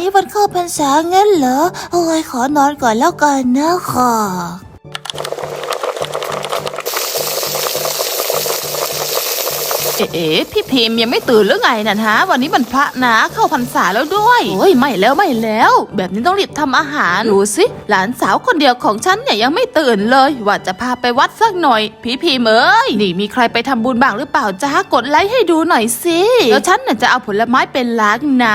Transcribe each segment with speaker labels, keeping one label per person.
Speaker 1: นี้วันเข้าพรรษางั้นเหรอโอ้ยขอนอนก่อนแล้วกันนะค่ะ
Speaker 2: พี่พิมพ์ยังไม่ตื่นหรือไงน่ะฮะวันนี้มันพระนะเข้าพรรษาแล้วด้วยโอ้ยไม่แล้วแบบนี้ต้องรีบทำอาหารดูสิหลานสาวคนเดียวของฉันเนี่ยยังไม่ตื่นเลยว่าจะพาไปวัดสักหน่อยพี่พิมพ์เอ้ยนี่มีใครไปทำบุญบ้างหรือเปล่าจ้ากดไลค์ให้ดูหน่อยสิแล้วฉันน่ะจะเอาผลไม้เป็นล้านนะ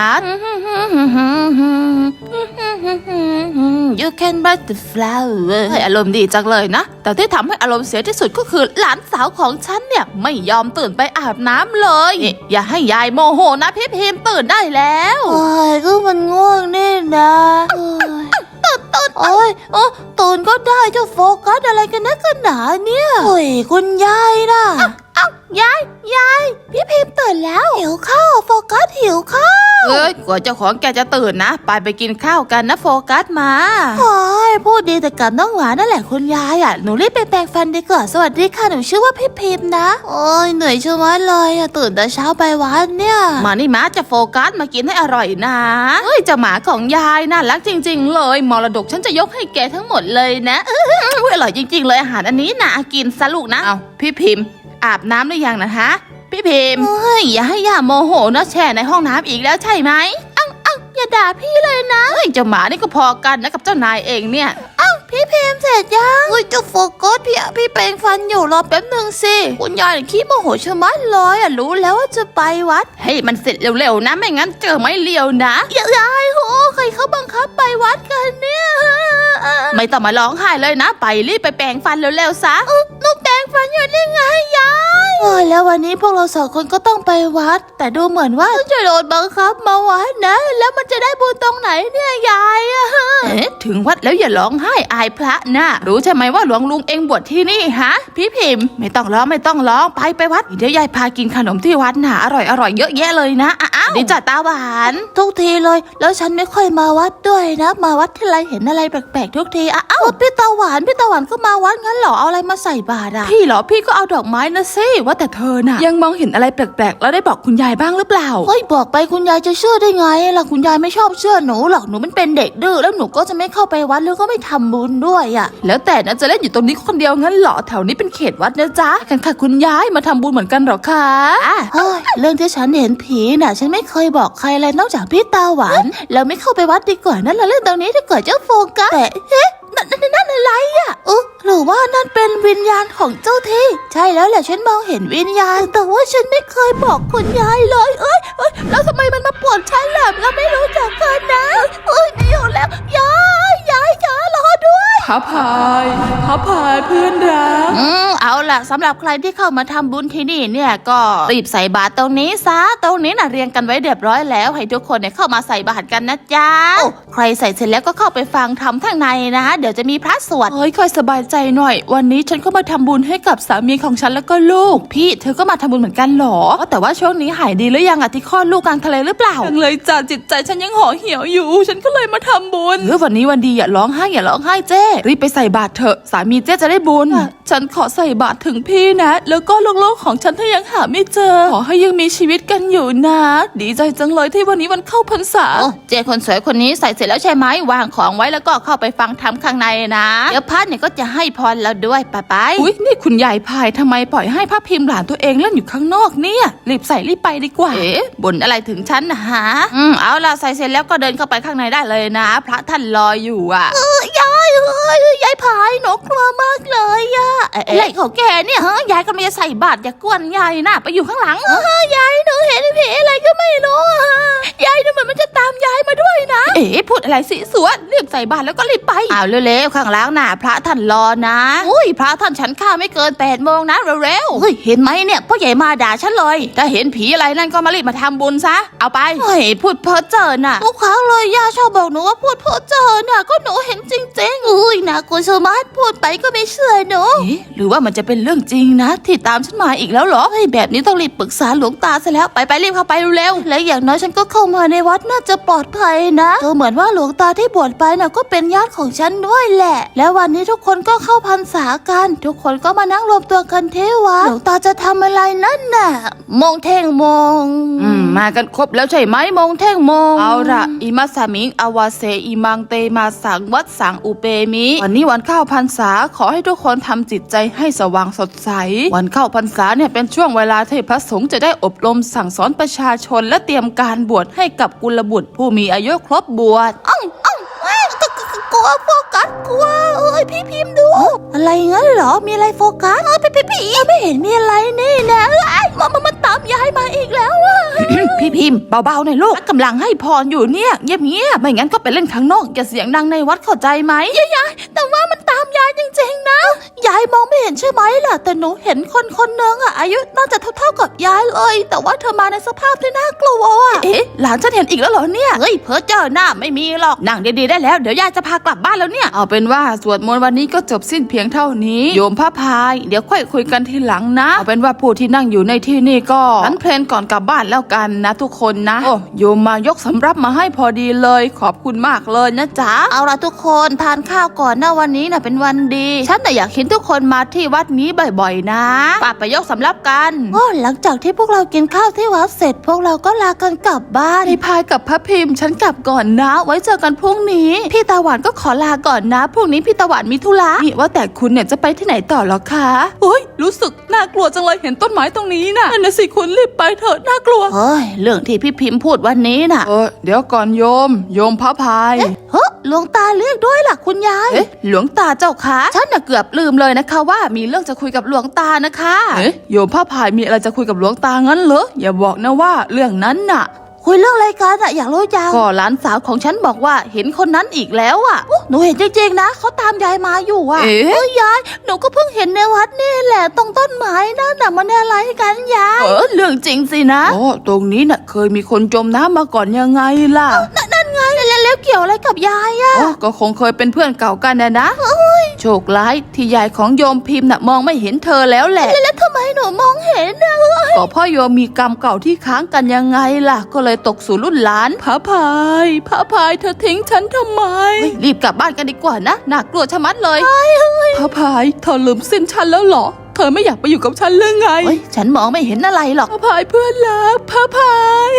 Speaker 2: You can buy the flower อารมณ์ดีจังเลยนะแต่ที่ทำให้อารมณ์เสียที่สุดก็คือหลานสาวของฉันเนี่ยไม่ยอมตื่นไปอาบน้ำเลยอย่าให้ยายโมโหนะพี่พิมพ์ตื่นได้แล้ว
Speaker 1: โอ้ยก็มันง่วงนี่นะตื่นโอ้ยตื่นก็ได้จะโฟกัสอะไรกันนักกันหนาเนี่ยโอ้ยคุณยายนะยายพี่พิมพ์ตื่นแล้วหิวข้าวโฟกัสหิวข้าว
Speaker 2: กว่าเจ้าของแกจะตื่นนะไปกินข้าวกันนะโฟกัสมา
Speaker 1: โอ้ยพูดดีแต่กับน้องหวานนั่นแหละคุณยายอ่ะหนูรีบไปแปรงฟันดีกว่าสวัสดีค่ะหนูชื่อว่าพี่พิมพ์นะโอ้ยเหนื่อยชะมัดเลยอ่ะตื่นแต่เช้าไปวัดเนี่ย
Speaker 2: มานี่มาจะโฟกัสมากินให้อร่อยนะเจ้าหมาของยายน่ารักจริงๆเลยมรดกฉันจะยกให้แกทั้งหมดเลยนะอร่อยจริงๆเลยอาหารอันนี้น่ากินซะลูกนะเอาพี่พิมพ์อาบน้ำหรือยังนะฮะพี่พิมพ์อย่าให้ย่าโมโหนะแช่ในห้องน้ำอีกแล้วใช่ไหม
Speaker 1: อย่าด่าพี่เลยนะ
Speaker 2: เจ้าหมานี่ก็พอกันนะกับเจ้านายเองเนี่ย
Speaker 1: พี่พิมพ์เสร็จยังจะโฟกัสพี่แปรงฟันอยู่รอแป๊บนึงสิคุณยายขี้โมโหชะมัดเลยรู้แล้วว่าจะไปวัด
Speaker 2: ให้มันเสร็จเร็วๆนะไม่งั้นเจอไม่เลี้ยวนะ
Speaker 1: ยายโหใครเขาบังคับไปวัดกันเนี่ย
Speaker 2: ไม่ต้องมาร้องไห้เลยนะไปรีบไปแปรงฟันเร็วๆซะ
Speaker 1: หนูแปรงฟันอยู่ได้ไงยายแล้ววันนี้พวกเราสองคนก็ต้องไปวัดแต่ดูเหมือนว่าจะโดนบังคับมาวัดนะแล้วมันจะได้บุญตรงไหนเนี่ยยาย
Speaker 2: ถึงวัดแล้วอย่าร้องไห้อายพระนะรู้ใช่ไหมว่าหลวงลุงเองบวชที่นี่ฮะพี่พิมพ์ไม่ต้องร้องไปวัดเดี๋ยวยายพากินขนมที่วัดนะอร่อยเยอะแยะเลยนะอ้าวดีจ้ะตาหวาน
Speaker 1: ทุกทีเลยแล้วฉันไม่ค่อยมาวัดด้วยนะมาวัดที่ไรเห็นอะไรแปลกๆทุกทีอ้าวพี่ตาหวานก็มาวัดงั้นเหรอเอาอะไรมาใส่บาตรอ่ะ
Speaker 2: พี่เหรอพี่ก็เอาดอกไม้นะสิว่าแต่เธอน่ะยังมองเห็นอะไรแปลกๆแล้วได้บอกคุณยายบ้างหรือเปล่า
Speaker 1: บอกไปคุณยายจะเชื่อได้ไงล่ะคุณยายไม่ชอบเชื่อหนูหรอกหนูมันเป็นเด็กดื้อแล้วหนูก็จะไม่เข้าไปวัดแล้วก็ไม่ทำบุญด้วยอ่ะ
Speaker 2: แล้วแต่นะจะเล่นอยู่ตรงนี้คนเดียวงั้นเหรอแถวนี้เป็นเขตวัดนะจ๊ะกันค่ะคุณยายมาทำบุญเหมือนกันหรอคะ
Speaker 1: เรื่องที่ฉันเห็นผีน่ะฉันไม่เคยบอกใครเลยนอกจากพี่ตาหวานเราไม่เข้าไปวัดดีกว่านั่นเราเรื่องตรงนี้ดีกว่าเจ้าโฟกัสแต่นั่นอะไรอ่ะหรือว่านั่นเป็นวิญญาณของเจ้าที่ใช่แล้วแหละฉันมองเห็นวิญญาณแต่ว่าฉันไม่เคยบอกคุณยายเลยแล้วทำไมมันมาปวดฉันล่ะเราไม่รู้จักกันนะไม่อยู่แล้วยายรอด้วย
Speaker 2: พระพายเพื่อนรัก
Speaker 1: เอาล่ะสำหรับใครที่เข้ามาทำบุญที่นี่เนี่ยก็รีบใส่บาตรตรงนี้ซะตรงนี้น่ะเรียงกันไว้เรียบร้อยแล้วให้ทุกคนเนี่ยเข้ามาใส่บาตรกันนะจ๊ะใครใส่เสร็จแล้วก็เข้าไปฟังธรรมข้างในนะเดี๋ยวจะมีพระสวด
Speaker 2: ค่อยสบายใจหน่อยวันนี้ฉันก็มาทำบุญให้กับสามีของฉันแล้วก็ลูกพี่เธอก็มาทำบุญเหมือนกันหรอแต่ว่าช่วงนี้หายดีหรือยังอะที่คลอดลูกกลางทะเลหรือเปล่ายังเลยจ้ะจิตใจฉันยังห่อเหี่ยวอยู่ฉันก็เลยมาทำบุญวันนี้วันดีอย่าร้องไห้เจ้รีบไปใส่บาตรเถอะสามีเจ้จะได้บุญฉันขอใส่บาตรถึงพี่นะแล้วก็ลูกๆของฉันถ้ายังหาไม่เจอขอให้ยังมีชีวิตกันอยู่นะดีใจจังเลยที่วันนี้วันเข้าพรรษา
Speaker 1: เจ้คนสวยคนนี้ใส่เสร็จแล้วใช่ไหมวางของไว้แล้วก็เข้าไปฟังธรรมข้างในนะเดี๋ยวพระเนี่ยก็จะให้พรเราด้วยไป
Speaker 2: อุ๊ยนี่คุณยายพายทำไมปล่อยให้พระพิมพ์หลานตัวเองเล่นอยู่ข้างนอกเนี่ยรีบใส่รีบไปดีกว่า
Speaker 1: บ่นอะไรถึงฉันนะฮะเอาล่ะใส่เสร็จแล้วก็เดินเข้าไปข้างในได้เลยนะพระท่านรออยู่อ่ะยายพายหนูกลัวมากเลยอ่ะอะไรของแกเนี่ยยายกำลังจะใส่บาตรอย่ากวนยายนะไปอยู่ข้างหลังยายหนูเห็นผีอะไรก็ไม่รู้ยายดูเหมือนมันจะตามยายมาด้วยนะ
Speaker 2: พูดอะไรสิสวนรีบใส่บาตรแล้วก็รีบไป
Speaker 1: เอาเร็วๆข้างหลังน่ะพระท่านรอนะพระท่านฉันข้าไม่เกิน8 โมงนะเร็วๆเห็นไหมเนี่ยพ่อใหญ่มาด่าฉันเลย
Speaker 2: ถ้าเห็นผีอะไรนั่นก็มารีบมาทำบุญซะเอาไป
Speaker 1: พูดเพ้อเจ้อน่ะทุกครั้งเลยย่าชอบบอกหนูว่าพูดเพ้อเจ้อน่ะก็หนูเห็นจริงๆน่ากลัวสมาร์ทพูดไปก็ไม่เชื่อหนู
Speaker 2: หรือว่ามันจะเป็นเรื่องจริงนะที่ตามฉันมาอีกแล้วเหรอ
Speaker 1: แบบนี้ต้องรีบปรึกษาหลวงตาซะแล้วไปรีบเข้าไปเร็วๆและอย่างน้อยฉันก็เข้ามาในวัดน่าจะปลอดภัยนะโธ่เหมือนว่าหลวงตาที่บวชไปน่ะก็เป็นญาติของฉันด้วยแหละ แล้ววันนี้ทุกคนก็เข้าพรรษากันทุกคนก็มานั่งรวมตัวกันที่วัดหลวงตาจะทำอะไรนั่นน่ะมงเท่งมง
Speaker 2: มากันครบแล้วใช่ไหมมงเท่งมงเอาละอิมัสสมิงอวาเสอิมังเตมาสังวัดสังอุเปมิวันนี้วันเข้าพรรษาขอให้ทุกคนทำจิตใจให้สว่างสดใสวันเข้าพรรษาเนี่ยเป็นช่วงเวลาที่พระสงฆ์จะได้อบรมสั่งสอนประชาชนและเตรียมการบวชให้กับกุลบุตรผู้มีอายุครบบวช
Speaker 1: กลัวโฟกัสกลัวพี่พิมพ์ดูอะไรงั้นเหรอมีอะไรโฟกัสพี่ไม่เห็นมีอะไรนี่นะมันตามยายมาอีกแล้วอะ
Speaker 2: พี่พิมพ์เบาๆหน่อยลูกกำลังให้พรอยู่เนี่ยเงียบๆไม่งั้นก็ไปเล่นข้างนอกอย่าเสียงดังในวัดเข้าใจไหม
Speaker 1: ยายแต่ว่ามันตามยายจริงๆนะยายมองไม่เห็นใช่ไหมล่ะแต่หนูเห็นคนนึงอะอายุน่าจะเท่ากับยายเลยแต่ว่าเธอมาในสภาพที่น่ากลัวอะ
Speaker 2: หลานฉันเห็นอีกแล้วเหรอเนี่ย
Speaker 1: เฮ้ยเพ้อเจ้าหน้าไม่มีหรอก
Speaker 2: นั่งดีๆได้แล้วเดี๋ยวยายจะพากลับบ้านแล้วเนี่ยเอาเป็นว่าสวดมนต์วันนี้ก็จบสิ้นเพียงเท่านี้โยมพระพายเดี๋ยวค่อยคุยกันทีหลังนะเอาเป็นว่าผู้ที่นั่งอยู่ในที่นี่ก็นั้นเพลนก่อนกลับบ้านแล้วกันนะทุกคนนะโอ้โยมมายกสำรับมาให้พอดีเลยขอบคุณมากเลยนะจ๊ะ
Speaker 1: เอาล่ะทุกคนทานข้าวก่อนนะวันนี้น่ะเป็นวันดีฉันแต่อยากเห็นทุกคนมาที่วัดนี้บ่อยๆนะ
Speaker 2: ป้าไปยกสำรับกัน
Speaker 1: หลังจากที่พวกเรากินข้าวที่วัดเสร็จพวกเราก็ลากันกลับบ้าน
Speaker 2: พี่พายกับพระพิมพ์ฉันกลับก่อนนะไว้เจอกันพรุ่งนี้พี่ตาหวานก็ขอลาก่อนนะพรุ่งนี้พี่ตาหวานมีธุระนี่ว่าแต่คุณเนี่ยจะไปที่ไหนต่อหรอคะโอ้ยรู้สึกน่ากลัวจังเลยเห็นต้นไม้ตรงนี้น่ะนั่นสิคุณรีบไปเถอะน่ากลัว
Speaker 1: เรื่องที่พี่พิมพ์พูดวันนี้น่ะ
Speaker 2: เดี๋ยวก่อนโยมพระพาย
Speaker 1: หลวงตาเรียกด้วยล่ะคุณยาย
Speaker 2: หลวงตาเจ้าคะฉันน่ะเกือบลืมเลยนะคะว่ามีเรื่องจะคุยกับหลวงตานะคะโยมพระพายมีอะไรจะคุยกับหลวงตางั้นเหรออย่าบอกนะว่าเรื่องนั้นน่ะ
Speaker 1: คุยเรื่องอะไรกันอะอยากรู้จัง
Speaker 2: ก็หลานสาวของฉันบอกว่าเห็นคนนั้นอีกแล้วอะ
Speaker 1: หนูเห็นจริงๆนะเขาตามยายมาอยู่อะยายหนูก็เพิ่งเห็นในวัดนี่แหละตรงต้นไม้นั่นน่ะมันอะไรกันยาย
Speaker 2: เรื่องจริงสินะตรงนี้น่ะเคยมีคนจมน้ำมาก่อนยังไงล่ะ
Speaker 1: นั่นไงแล้วเกี่ยวอะไรกับยายอะ
Speaker 2: ก็คงเคยเป็นเพื่อนเก่ากันนะโชคร้ายที่ยายของโยมพิมพ์น่ะมองไม่เห็นเธอแล้วแหละ
Speaker 1: แล้วทำไมหนูมองเห็นอะ
Speaker 2: ก็เพราะโยมมีกรรมเก่าที่ค้างกันยังไงล่ะก็เลยตกสู่รุ่นหลานพระพายเธอทิ้งฉันทำไมรีบกลับบ้านกันดีกว่านะน่ากลัวชะมัดเลยพระพายเธอลืมสิ้นฉันแล้วเหรอเธอไม่อยากไปอยู่กับฉันหรือไง
Speaker 1: ฉันมองไม่เห็นอะไรหรอก
Speaker 2: พระพายเพื่อนรักพระพาย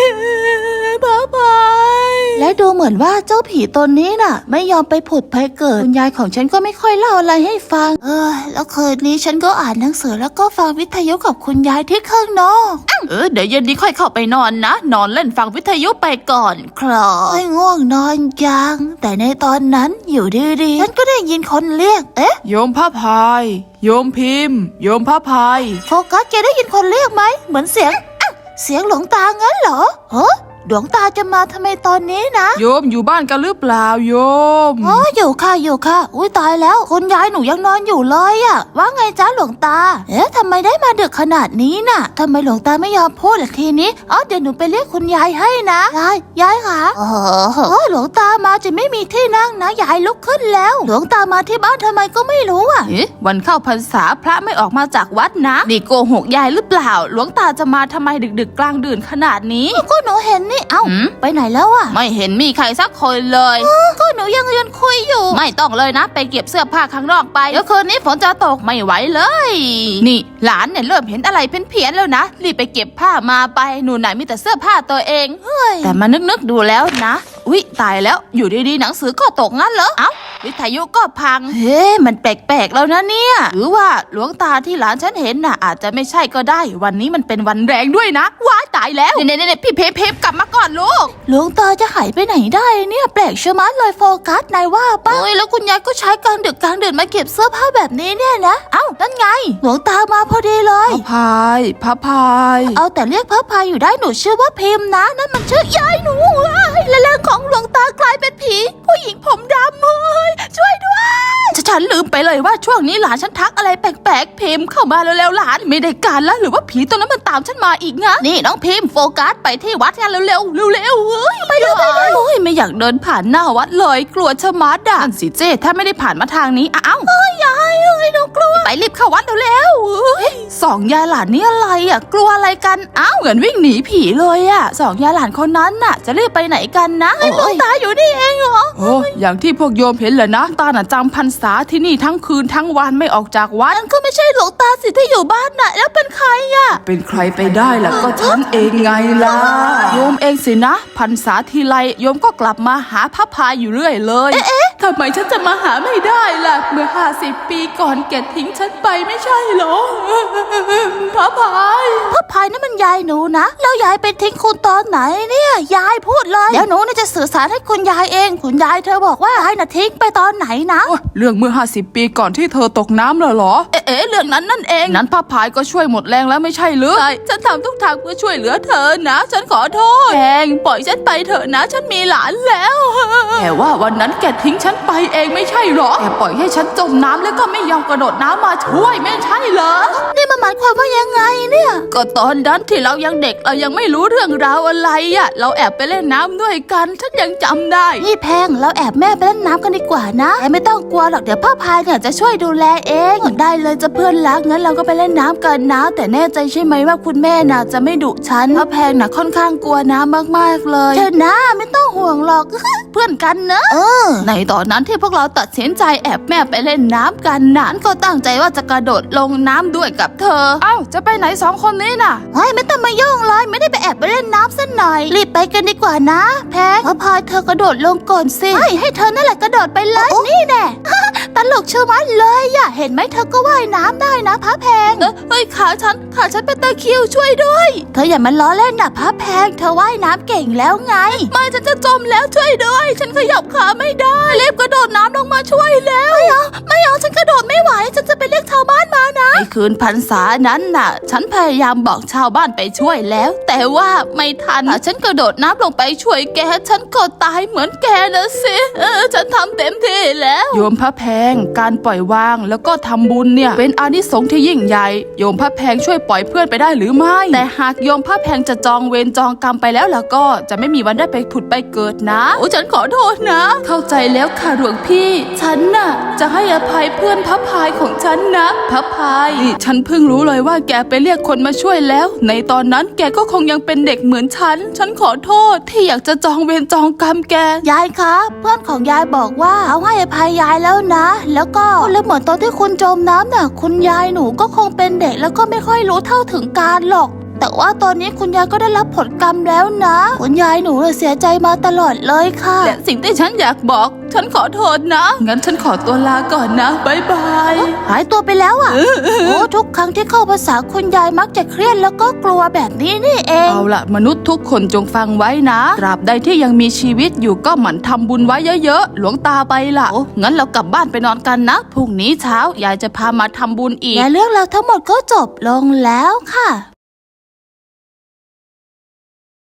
Speaker 1: และดูเหมือนว่าเจ้าผีตนนี้น่ะไม่ยอมไปผุดไปเกิดคุณยายของฉันก็ไม่ค่อยเล่าอะไรให้ฟังแล้วคืนนี้ฉันก็อ่านหนังสือแล้วก็ฟังวิทยุกับคุณยายที่ข้างนอก
Speaker 2: เดี๋ยวเย็นนี้ค่อยเข้าไปนอนนะนอนเล่นฟังวิทยุไปก่อน
Speaker 1: คลอง่วงนอนยังแต่ในตอนนั้นอยู่ดีๆฉันก็ได้ยินคนเรียก
Speaker 2: โยมพระพายโยมพิมพ์โยมพระพาย
Speaker 1: โฟกัสแกได้ยินคนเรียกไหมเหมือนเสียงหลวงตางั้นเหรอหลวงตาจะมาทำไมตอนนี้นะ
Speaker 2: โยมอยู่บ้านกันหรือเปล่าโยม
Speaker 1: อยู่ค่ะอุ้ยตายแล้วคุณยายหนูยังนอนอยู่เลยอะว่าไงจ้าหลวงตาทำไมได้มาดึกขนาดนี้น่ะทำไมหลวงตาไม่ยอมพูดล่ะทีนี้เดี๋ยวหนูไปเรียกคุณยายให้นะยายค่ะหลวงตามาจะไม่มีที่นั่งนะยายลุกขึ้นแล้วหลวงตามาที่บ้านทำไมก็ไม่รู้อะ
Speaker 2: วันเข้าพรรษาพระไม่ออกมาจากวัดนะนี่โกหกยายหรือเปล่าหลวงตาจะมาทำไมดึกกลางดื่นขนาดนี้
Speaker 1: ก็หนูเห็นนี่ไปไหนแล้วอะ
Speaker 2: ไม่เห็นมีใครสักคนเลย
Speaker 1: ก็หนูยังยืนคุยอยู่
Speaker 2: ไม่ต้องเลยนะไปเก็บเสื้อผ้าข้างนอกไปเดี๋ยวคืนนี้ฝนจะตกไม่ไหวเลยนี่หลานเนี่ยเริ่มเห็นอะไรเพี้ยนๆแล้วนะรีบไปเก็บผ้ามาไปหนูไหนมีแต่เสื้อผ้าตัวเองแต่มานึกดูแล้วนะอุ๊ยตายแล้วอยู่ดีๆหนังสือก็ตกงั้นเหรอวิทยุก็พังมันแปลกๆแล้วนะเนี่ยหรือว่าหลวงตาที่หลานฉันเห็นน่ะอาจจะไม่ใช่ก็ได้วันนี้มันเป็นวันแรงด้วยนะว้ายตายแล้วเนี่ยพี่เพกลับมาก่อนลูก
Speaker 1: หลวงตาจะหายไปไหนได้เนี่ยแปลกชะมัดเลยโฟกัสนายว่าป่ะแล้วคุณยายก็ใช้กลางดึกกลางเดือนมาเก็บเสื้อผ้าแบบนี้เนี่ยนะนั่นไงหลวงตามาพอดีเลย
Speaker 2: พระพาย
Speaker 1: แต่เรียกพระพายอยู่ได้หนูชื่อว่าพิมพ์นะนั่นมันชื่อยายหนูและร่างของหลวงตากลายเป็นผีผู้หญิงผมดำช่วยด้วย
Speaker 2: ฉันลืมไปเลยว่าช่วงนี้หลานฉันทักอะไรแปลกๆพิมพ์เข้ามาเร็วๆหลานไม่ได้การแล้วหรือว่าผีตัวนั้นมันตามฉันมาอีกนะ
Speaker 1: นี่น้องพิมพ์โฟกัสไปที่วัดกันเร็วไป
Speaker 2: ไม่อยอยากเดินผ่านหน้าวัดเลยกลัวชะมัดอ่ะนั่นสิเจ้ถ้าไม่ได้ผ่านมาทางนี้อ้าวยายหนูกลัวไปรีบเข้าวัดเร็วๆสองยายหลานนี่อะไรอ่ะกลัวอะไรกันอ้าวเหมือนวิ่งหนีผีเลยอ่ะสองยายหลานคนนั้นน่ะจะรีบไปไหนกันนะหลวงตาอยู่นี่เองเหรอโอ้อย่างที่พวกโยมเห็นแหละนะตาน่ะจำพรรษาที่นี่ทั้งคืนทั้งวันไม่ออกจากวัดนั่นก็ไม่ใช่หลวงตาสิที่อยู่บ้านน่ะแล้วเป็นใครอ่ะเป็นใครไปได้ล่ะก็ฉันเองไงล่ะโยมเองสินะพรรษาทีไรโยมก็กลับมาหาพระพายอยู่เรื่อยเลยทำไมฉันจะมาหาไม่ได้ล่ะเมื่อ50 ปีก่อนแกทิ้งฉันไปไม่ใช่เหรอพระพายนั่นมันยายหนูนะแล้วยายไปทิ้งคุณตอนไหนเนี่ยยายพูดเลยเดี๋ยวหนูน่าจะสื่อสารให้คุณยายเองคุณยายเธอบอกว่ายายน่ะทิ้งไปตอนไหนนะเรื่องเมื่อ50 ปีก่อนที่เธอตกน้ำเหรอเรื่องนั้นนั่นเองนั้นพระพายก็ช่วยหมดแรงแล้วไม่ใช่หรือใช่ฉันทำทุกทางเพื่อช่วยเหลือเธอนะฉันขอโทษแพงปล่อยฉันไปเถอะนะฉันมีหลานแล้วแต่ว่าวันนั้นแกทิ้งฉันไปเองไม่ใช่หรอแกปล่อยให้ฉันจมน้ำแล้วก็ไม่ยอมกระโดดน้ำมาช่วยไม่ใช่เหรอนี่มันหมายความว่ายังไงเนี่ยก็ตอนนั้นที่เรายังเด็กเรายังไม่รู้เรื่องราวอะไรอ่ะเราแอบไปเล่นน้ำด้วยกันฉันยังจำได้นี่แพงเราแอบแม่ไปเล่นน้ำกันดีกว่านะแต่ไม่ต้องกลัวหรอกเดี๋ยวพ่อพายเนี่ยจะช่วยดูแลเองได้เลยจะเพื่อนรักงั้นเราก็ไปเล่นน้ำกันนะแต่แน่ใจใช่ไหมว่าคุณแม่น่ะจะไม่ดุฉันเพราะแพงน่ะค่อนข้างกลัวน้ำมากๆเลยเธอนะไม่ต้องห่วงหรอก เพื่อนกันเนอะในตอนนั้นที่พวกเราตัดสินใจแอบแม่ไปเล่นน้ำกันนั้นก็ตั้งใจว่าจะกระโดดลงน้ำด้วยกับเธอเอ้าจะไปไหน2 คนนี้น่ะเฮ้ยไม่ต้องมายุ่งเลยไม่ได้ไปแอบไปเล่นน้ำซะหน่อยรีบไปกันดีกว่านะแพงพอพายเธอกระโดดลงก่อนสิให้เธอนั่นแหละกระโดดไปเลยนี่แน่ ตลกเชื่อมันเลยอะเห็นไหมเธอก็ว่ายน้ำได้นะพระแพงเฮ้ยขาฉันเป็นตะคริวช่วยด้วยเธออย่ามาล้อเล่นนะพระแพงเธอว่ายน้ำเก่งแล้วไงไม่ฉันจะจมแล้วช่วยด้วยฉันขยับขาไม่ได้รีบกระโดดน้ำลงมาช่วยแล้วไม่เอาฉันกระโดดไม่ไหวฉันจะไปเรียกชาวบ้านมานะในคืนพรรษานั้นน่ะฉันพยายามบอกชาวบ้านไปช่วยแล้วแต่ว่าไม่ทันฉันกระโดดน้ำลงไปช่วยแกฉันก็ตายเหมือนแกนะสิฉันทำเต็มที่แล้วโยมพระแพงการปล่อยวางแล้วก็ทำบุญเนี่ยเป็นอานิสงส์ที่ยิ่งใหญ่โยมพระแพงช่วยปล่อยเพื่อนไปได้หรือไม่แต่หากโยมพระแพงจะจองเวรจองกรรมไปแล้วก็จะไม่มีวันได้ไปผุดไปเกิดนะโอ้ฉันขอโทษนะเข้าใจแล้วค่ะหลวงพี่ฉันน่ะจะให้อภัยเพื่อนพระพายของฉันนะพระพายนี่ฉันเพิ่งรู้เลยว่าแกไปเรียกคนมาช่วยแล้วในตอนนั้นแกก็คงยังเป็นเด็กเหมือนฉันขอโทษที่อยากจะจองเวรจองกรรมแกยายคะเพื่อนของยายบอกว่าเขาให้อภัยยายแล้วนะแล้วก็เหมือนตอนที่คุณจมน้ำน่ะคุณยายหนูก็คงเป็นเด็กแล้วก็ไม่ค่อยรู้เท่าถึงการหรอกแต่ว่าตอนนี้คุณยายก็ได้รับผลกรรมแล้วนะคุณยายหนูเสียใจมาตลอดเลยค่ะและสิ่งที่ฉันอยากบอกฉันขอโทษนะงั้นฉันขอตัวลาก่อนนะบ๊ายบายหายตัวไปแล้วอ่ะโอ้ทุกครั้งที่เข้าภาษาคุณยายมักจะเครียดแล้วก็กลัวแบบนี้นี่เองเอาล่ะมนุษย์ทุกคนจงฟังไว้นะตราบใดที่ยังมีชีวิตอยู่ก็หมั่นทำบุญไว้เยอะๆหลวงตาไปล่ะงั้นเรากลับบ้านไปนอนกันนะพรุ่งนี้เช้ายายจะพามาทำบุญอีกและเรื่องราวทั้งหมดก็จบลงแล้วค่ะ